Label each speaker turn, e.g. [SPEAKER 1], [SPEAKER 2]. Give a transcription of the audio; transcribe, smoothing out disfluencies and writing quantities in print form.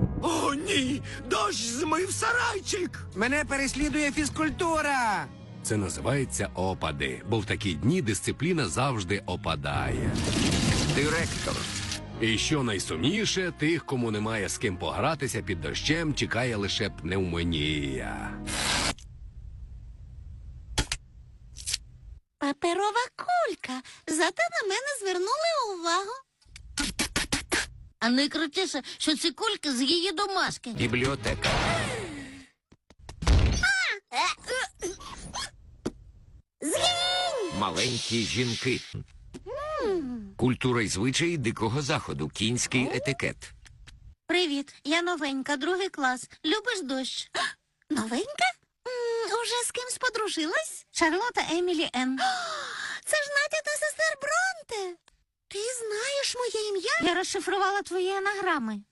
[SPEAKER 1] О, ні! Дощ змив сарайчик!
[SPEAKER 2] Мене переслідує фізкультура.
[SPEAKER 3] Це називається опади, бо в такі дні дисципліна завжди опадає.
[SPEAKER 4] Директор.
[SPEAKER 3] І що найсумніше, тих, кому немає з ким погратися під дощем, чекає лише пневмонія.
[SPEAKER 5] Паперова кулька. Зате на мене звернули увагу. А найкрутіше, що ці кульки з її домашки.
[SPEAKER 4] Бібліотека.
[SPEAKER 5] Згинь!
[SPEAKER 4] Маленькі жінки. Культура й звичаї дикого заходу. Кінський етикет.
[SPEAKER 5] Привіт, я новенька, 2 клас. Любиш дощ? Новенька? Уже з кимсь подружилась? Шарлота Емілі Н. Це ж Надя та сестер Бронте. Ти знаєш моє ім'я? Я розшифрувала твої анаграми.